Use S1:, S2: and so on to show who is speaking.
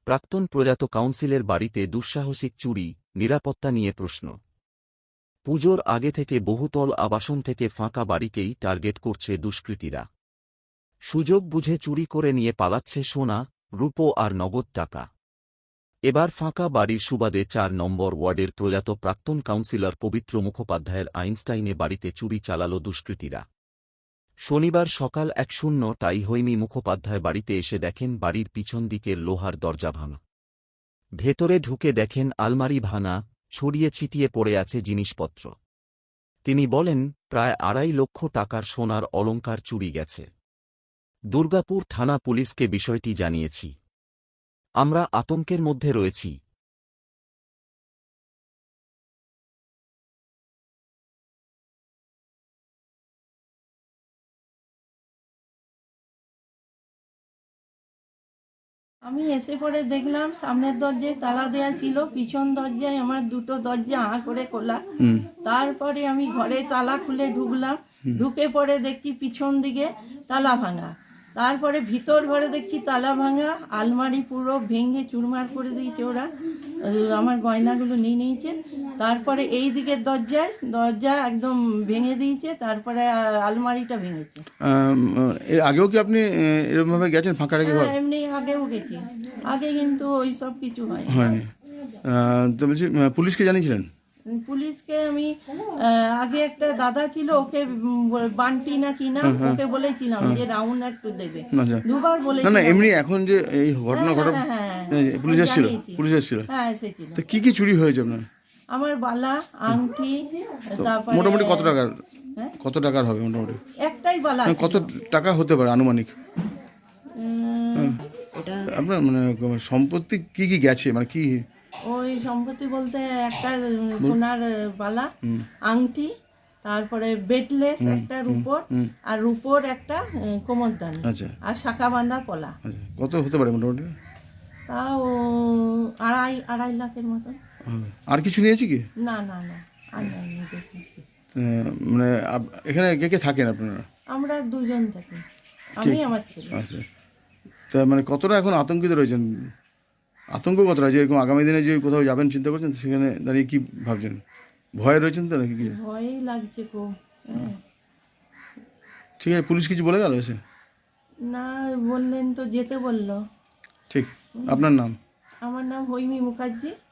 S1: প্রাক্তন প্রয়াত কাউন্সিলের বাড়িতে দুঃসাহসিক চুরি, নিরাপত্তা নিয়ে প্রশ্ন। পুজোর আগে থেকে বহুতল আবাসন থেকে ফাঁকা বাড়িকেই টার্গেট করছে দুষ্কৃতীরা। সুযোগ বুঝে চুরি করে নিয়ে পালাচ্ছে সোনা, রূপো আর নগদ টাকা। এবার ফাঁকা বাড়ির সুবাদে ৪ নম্বর ওয়ার্ডের প্রয়াত প্রাক্তন কাউন্সিলর পবিত্র মুখোপাধ্যায়ের আইনস্টাইনে বাড়িতে চুরি চালাল দুষ্কৃতীরা। শনিবার সকাল ১:০০টায় হৈমি মুখোপাধ্যায় বাড়িতে এসে দেখেন বাড়ির পিছন দিকের লোহার দরজা ভাঙা। ভেতরে ঢুকে দেখেন আলমারি ভাঙা, ছড়িয়ে ছিটিয়ে পড়ে আছে জিনিসপত্র। তিনি বলেন, প্রায় ২.৫ লক্ষ টাকার সোনার অলংকার চুরি গেছে। দুর্গাপুর থানা পুলিশকে বিষয়টি জানিয়েছি। আমরা আতঙ্কের মধ্যে রয়েছি।
S2: আমি এসে পরে দেখলাম সামনের দরজায় তালা দেয়া ছিল, পিছন দরজায় আমার দুটো দরজা করে খোলা। তারপরে আমি ঘরে তালা খুলে ঢুকলাম, ঢুকে পরে দেখছি পিছন দিকে তালা ভাঙা। তারপরে ভিতর ঘরে দেখছি তালা ভাঙা, আলমারি পুরো ভেঙে চুরমার করে দিয়েছে ওরা, আমার গয়নাগুলো নিয়ে নিয়েছে। তারপরে এই দিকের দরজা একদম ভেঙে দিয়েছে, তারপরে আলমারিটা ভেঙেছে।
S3: এর আগেও কি আপনি এরকমভাবে গেছেন ফাঁকা রেখে?
S2: এমনি আগেও গেছি, আগে কিন্তু ওই সব কিছু
S3: হয়নি। তো বলছি, পুলিশকে জানিয়েছিলেন?
S2: পুলিশকে আমি আগে একটা দাদা ছিল, ওকে বান্টি না কিনা, ওকে বলেছিলাম যে রাউন্ড একটু দেবে, দুবার বলেছিলাম।
S3: না এমনি এখন যে এই ঘটনা পুলিশ এসেছিল? পুলিশ এসেছিল?
S2: হ্যাঁ এসেছিল।
S3: তো কি চুরি হয়েছে আপনার?
S2: আমার বালা, আংটি, তারপরে
S3: মোটামুটি কত টাকার হবে মোটামুটি?
S2: একটাই বালা।
S3: কত টাকা হতে পারে আনুমানিক? আপনার মানে সম্পত্তি কি গেছে, মানে কি?
S2: ওই সম্পত্তি বলতে একটা সোনার বালা, আংটি, তারপরে বেডলেস একটা রূপোর, আর রূপোর একটা কোমরদানি, আর শাখা বাঁধা পলা।
S3: কত হতে পারে মোটামুটি?
S2: তাও ২.৫ লাখের মতো।
S3: আর কিছু নিয়েছি কি?
S2: না আর নেই।
S3: মানে এখানে কে থাকেন আপনারা?
S2: আমরা দুজন থাকি, আমি আমার ছেলে।
S3: আচ্ছা, তা মানে কতটা এখন আতঙ্কিত রয়েছেন? আতঙ্ক কতটা যে এরকম আগামী দিনে যে কোথাও যাবেন চিন্তা করছেন, সেখানে দাঁড়িয়ে কি ভাবছেন? ভয়ে রয়েছেন তো নাকি?
S2: ভয়ই লাগছে খুব।
S3: ঠিক আছে, পুলিশ কিছু বলে গেল এসে?
S2: না বললেন তো, যেতে বললো।
S3: ঠিক। আপনার নাম?
S2: আমার নাম হৈমি মুখার্জি।